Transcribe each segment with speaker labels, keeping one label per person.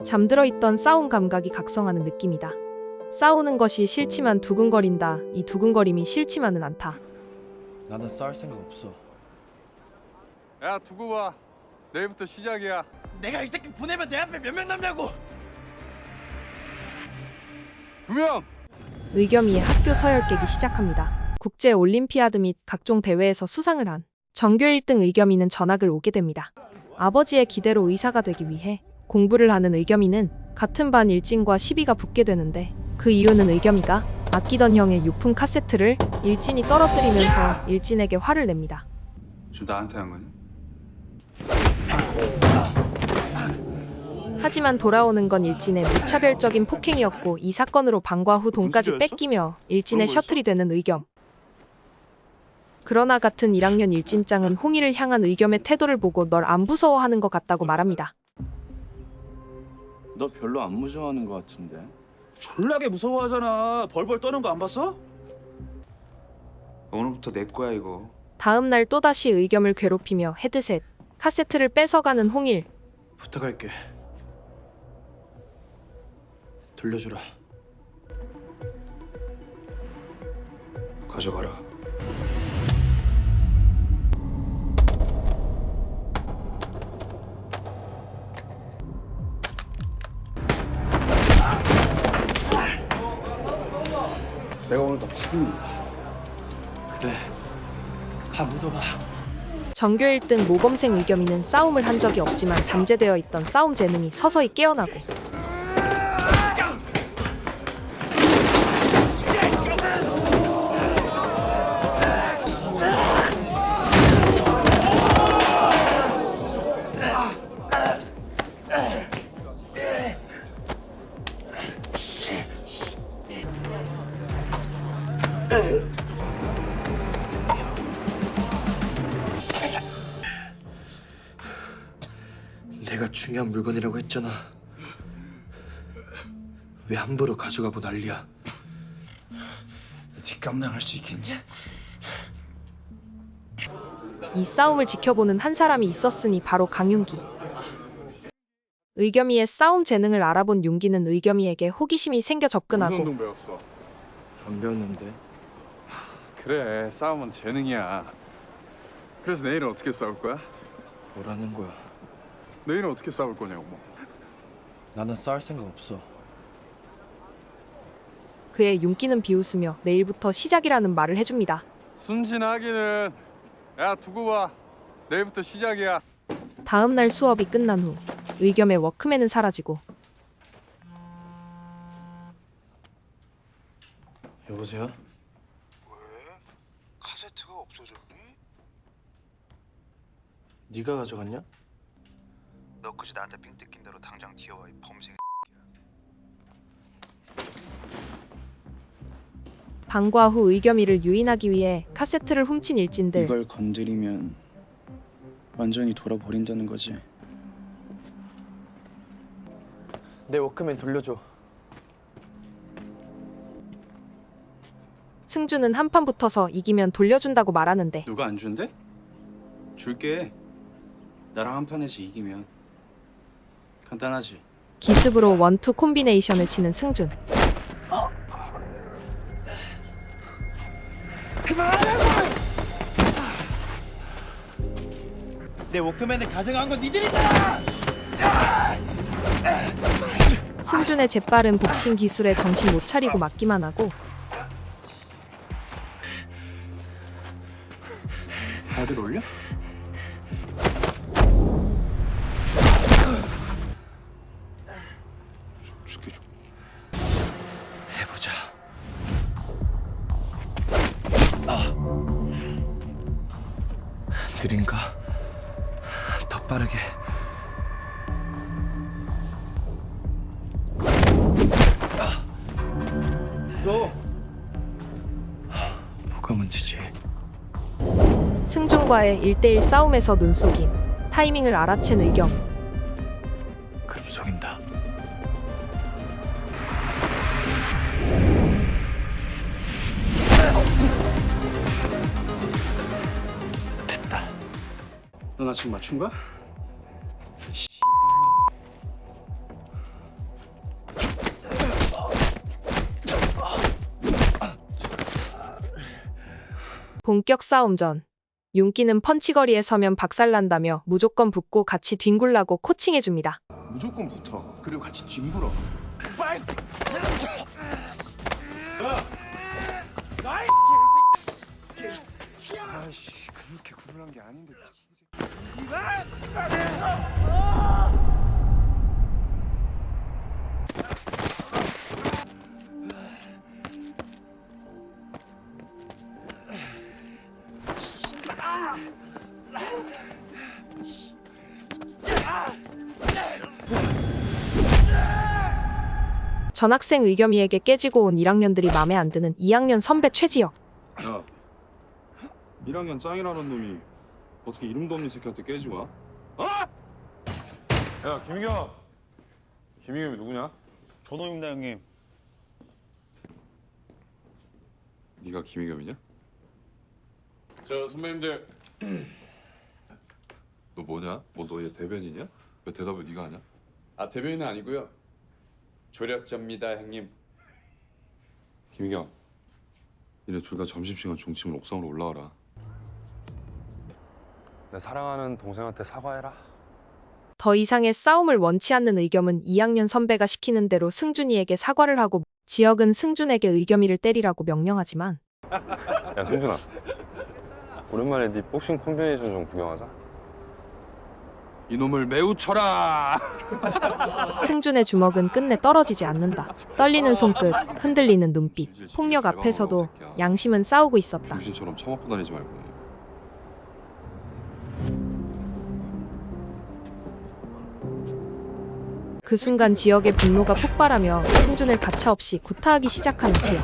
Speaker 1: 잠들어 있던 싸움 감각이 각성하는 느낌이다. 싸우는 것이 싫지만 두근거린다. 이 두근거림이 싫지만은 않다.
Speaker 2: 나는 싸울 생각 없어.
Speaker 3: 야 두고 봐. 내일부터 시작이야.
Speaker 2: 내가 이 새끼 보내면 내 앞에 몇 명 남냐고.
Speaker 3: 2명.
Speaker 1: 의겸이의 학교 서열 깨기 시작합니다. 국제 올림피아드 및 각종 대회에서 수상을 한 전교 1등 의겸이는 전학을 오게 됩니다. 아버지의 기대로 의사가 되기 위해 공부를 하는 의겸이는 같은 반 일진과 시비가 붙게 되는데 그 이유는 의겸이가 아끼던 형의 유품 카세트를 일진이 떨어뜨리면서 일진에게 화를 냅니다.
Speaker 3: 지금 나한테 한 거니?
Speaker 1: 하지만 돌아오는 건 일진의 무차별적인 폭행이었고 이 사건으로 방과 후 돈까지 뺏기며 일진의 셔틀이 되는 의겸. 그러나 같은 1학년 일진짱은 홍이를 향한 의겸의 태도를 보고 널 안 무서워하는 것 같다고 말합니다.
Speaker 2: 너 별로 안 무서워하는 것 같은데.
Speaker 4: 졸라게 무서워하잖아. 벌벌 떠는 거 안 봤어?
Speaker 3: 오늘부터 내 거야 이거.
Speaker 1: 다음 날 또다시 의겸을 괴롭히며 헤드셋, 카세트를 뺏어가는 홍일.
Speaker 2: 부탁할게. 돌려주라.
Speaker 3: 가져가라. 내가 오늘 다 푼다.
Speaker 2: 그래. 다 묻어봐.
Speaker 1: 전교 1등 모범생 의겸이는 싸움을 한 적이 없지만 잠재되어 있던 싸움 재능이 서서히 깨어나고
Speaker 2: 내가 중요한 물건이라고 했잖아. 왜 함부로 가져가고 난리야? 뒷감당할 수 있겠냐?
Speaker 1: 이 싸움을 지켜보는 한 사람이 있었으니 바로 강윤기. 의겸이의 싸움 재능을 알아본 윤기는 의겸이에게 호기심이 생겨
Speaker 3: 무슨
Speaker 1: 접근하고
Speaker 3: 운동 배웠어?
Speaker 2: 안 배웠는데.
Speaker 3: 그래 싸움은 재능이야. 그래서 내일은 어떻게 싸울 거야?
Speaker 2: 뭐라는 거야?
Speaker 3: 내일은 어떻게 싸울 거냐고.
Speaker 2: 나는 싸울 생각 없어.
Speaker 1: 그의 윤기는 비웃으며 내일부터 시작이라는 말을 해줍니다.
Speaker 3: 순진하기는. 야 두고 봐. 내일부터 시작이야.
Speaker 1: 다음 날 수업이 끝난 후 의겸의 워크맨은 사라지고
Speaker 2: 여보세요?
Speaker 5: 왜? 카세트가 없어졌니?
Speaker 2: 네가 가져갔냐?
Speaker 5: 너 그지 나한테 핑 뜯긴 대로 당장 튀어와 이 범생.
Speaker 1: 방과 후 의겸이를 유인하기 위해 카세트를 훔친 일진들.
Speaker 6: 이걸 건드리면 완전히 돌아버린다는 거지.
Speaker 2: 내 워크맨 돌려줘.
Speaker 1: 승주는 한판 붙어서 이기면 돌려준다고 말하는데
Speaker 4: 누가 안 준대? 줄게. 나랑 한 판에서 이기면. 간단하지.
Speaker 1: 기습으로 원투 콤비네이션을 치는 승준.
Speaker 2: 내 워크맨을 가져간 건 니들이잖아!
Speaker 1: 승준의 재빠른 복싱 기술에 정신 못 차리고 맞기만 하고
Speaker 4: 다들 올려?
Speaker 3: 죽게 줘.
Speaker 2: 해보자. 느린가? 더 빠르게.
Speaker 4: 너
Speaker 2: 뭐가 문제지?
Speaker 1: 승준과의 1대1 싸움에서 눈속임. 타이밍을 알아챈 의겸.
Speaker 2: 그럼 속인다.
Speaker 4: 너 나 지금 맞춘 거야?
Speaker 1: 본격 싸움 전. 윤기는 펀치거리에 서면 박살난다며 무조건 붙고 같이 뒹굴라고 코칭해줍니다.
Speaker 3: 무조건 붙어. 그리고 같이 뒹굴어. 아이씨, 그렇게 구분한 게 아닌데.
Speaker 1: 전학생 의겸이에게 깨지고 온 1학년들이 맘에 안 드는 2학년 선배 최지혁.
Speaker 4: 야, 1학년 짱이라는 놈이 어떻게 이름도 없는 새끼한테 깨지고 와? 어? 야, 김희겸. 김희겸이 누구냐?
Speaker 7: 전호입니다 형님.
Speaker 4: 네가 김희겸이냐? 저 선배님들. 너 뭐냐? 뭐 너의 대변이냐? 왜 대답을 네가 하냐?
Speaker 8: 아, 대변인은 아니고요. 조력자입니다, 형님.
Speaker 4: 김희겸. 니네 둘 다 점심시간 종침을 옥상으로 올라와라. 내 사랑하는 동생한테 사과해라.
Speaker 1: 더 이상의 싸움을 원치 않는 의겸은 2학년 선배가 시키는 대로 승준이에게 사과를 하고 지혁은 승준에게 의겸이를 때리라고 명령하지만
Speaker 4: 야, 승준아. 오랜만에 네 복싱 콤비네이션 좀 구경하자. 이놈을 매우 쳐라.
Speaker 1: 승준의 주먹은 끝내 떨어지지 않는다. 떨리는 손끝, 흔들리는 눈빛, 폭력 앞에서도 양심은 싸우고 있었다.
Speaker 4: 중신처럼 처먹고 다니지 말고.
Speaker 1: 그 순간 지혁의 분노가 폭발하며 승준을 가차없이 구타하기 시작하는 지혁.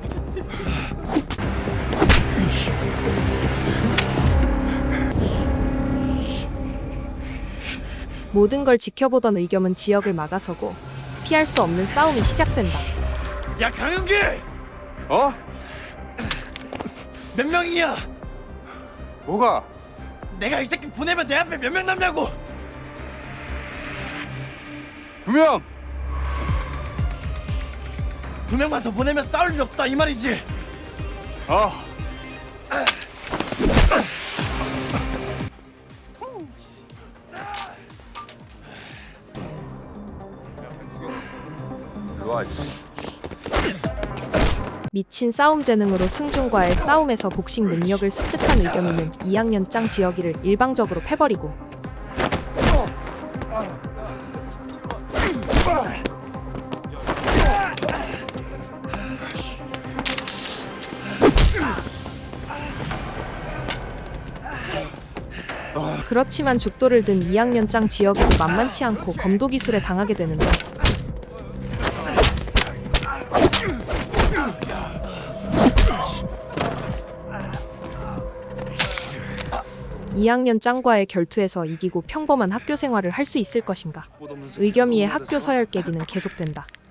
Speaker 1: 모든 걸 지켜보던 의겸은 지혁을 막아서고 피할 수 없는 싸움이 시작된다.
Speaker 7: 야 강윤기!
Speaker 3: 어?
Speaker 7: 몇 명이야?
Speaker 3: 뭐가?
Speaker 7: 내가 이 새끼 보내면 내 앞에 몇 명 남냐고!
Speaker 3: 2명.
Speaker 7: 2명만 더 보내면 싸울 일 없다 이 말이지.
Speaker 1: 미친 싸움 재능으로 승준과의 싸움에서 복싱 능력을 습득한 의겸이는 2학년 짱 지혁이를 일방적으로 패버리고 그렇지만 죽도를 든 2학년 짱 지혁이도 만만치 않고 검도 기술에 당하게 되는데 2학년 짱과의 결투에서 이기고 평범한 학교 생활을 할 수 있을 것인가? 의겸이의 학교 서열 깨기는 계속된다.